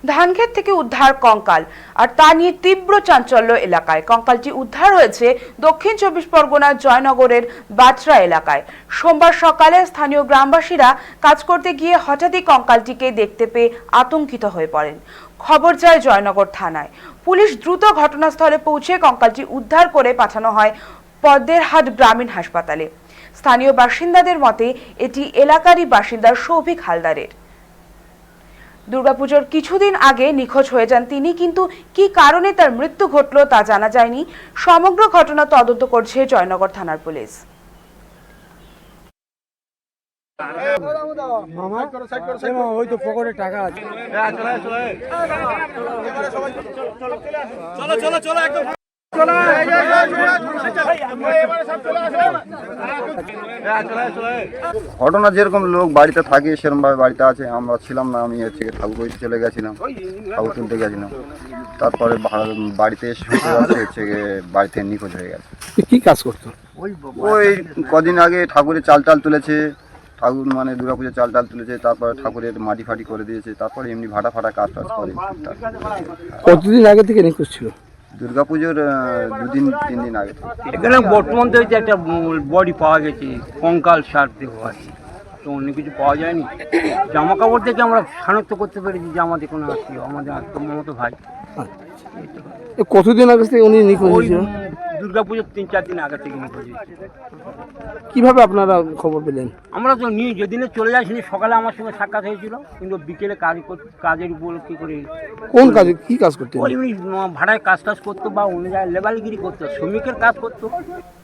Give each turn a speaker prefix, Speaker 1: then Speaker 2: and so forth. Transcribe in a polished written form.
Speaker 1: ধানক্ষেত থেকে উদ্ধার কঙ্কাল, আর তা নিয়ে তীব্র চাঞ্চল্য এলাকায়। কঙ্কালটি উদ্ধার হয়েছে দক্ষিণ 24 পরগনার জয়নগরের বাটরা এলাকায়। সোমবার সকালে স্থানীয় গ্রামবাসীরা কাজ করতে গিয়ে হঠাৎই কঙ্কালটিকে দেখতে পেয়ে আতঙ্কিত হয়ে পড়েন। খবর যায় জয়নগর থানায়। পুলিশ দ্রুত ঘটনাস্থলে পৌঁছে কঙ্কালটি উদ্ধার করে পাঠানো হয় পদ্মেরহাট গ্রামীণ হাসপাতালে। স্থানীয় বাসিন্দাদের মতে এটি এলাকারই বাসিন্দা সৌভিক হালদারের। দুর্গাপুজোর কিছুদিন আগে নিখোঁজ হয়ে যান তিনি, কিন্তু কি কারণে তার মৃত্যু ঘটল তা জানা যায়নি। সমগ্র ঘটনা তদন্ত করছে জয়নগর থানার পুলিশ।
Speaker 2: ঘটনা যেরকম লোক বাড়িতে থাকে সেরকম ভাবে বাড়িতে আছে। আমরা ছিলাম না, আমি হচ্ছে ঠাকুর বাড়িতে চলে গেছিলাম, ঠাকুর তুলতে গেছিলাম। তারপরে বাড়িতে এসে হচ্ছে বাড়িতে নিখোঁজ হয়ে গেছে।
Speaker 3: কি কাজ করতো?
Speaker 2: ওই কদিন আগে ঠাকুরের চাল তুলেছে, ঠাকুর মানে দুর্গাপুজোর চাল তুলেছে, তারপরে ঠাকুরের মাটি ফাটি করে দিয়েছে, তারপরে এমনি ভাটা কাজ করে।
Speaker 3: কতদিন আগে থেকে নিখোঁজ ছিল?
Speaker 2: দুর্গাপুজোর 2-3 দিন আগে।
Speaker 4: এখানে বর্তমান তো একটা বডি পাওয়া গেছে, কঙ্কাল সার দেহ আছে, তো অন্য কিছু পাওয়া যায়নি। জামা কাপড় থেকে আমরা শনাক্ত করতে পেরেছি যে আমাদের কোনো আত্মীয়, আমাদের আত্মীয় ভাই।
Speaker 3: কতদিন আগে থেকে উনি নিখোঁজ হয়েছিল?
Speaker 4: দুর্গাপুজোর 3-4 দিন আগে থেকে নিখোঁজ হয়েছে।
Speaker 3: কিভাবে আপনারা খবর পেলেন?
Speaker 4: আমরা তো নিয়ে যেদিনে চলে যাই সেদিন সকালে আমার সঙ্গে সাক্ষাৎ হয়েছিল, কিন্তু বিকেলে কাজের উপর কী করে।
Speaker 3: কোন কাজে কি কাজ করতেন?
Speaker 4: ওই ভাড়ায় কাজ করতো বা অন্য জায়গায় লেবারগিরি করতো, শ্রমিকের কাজ করতো।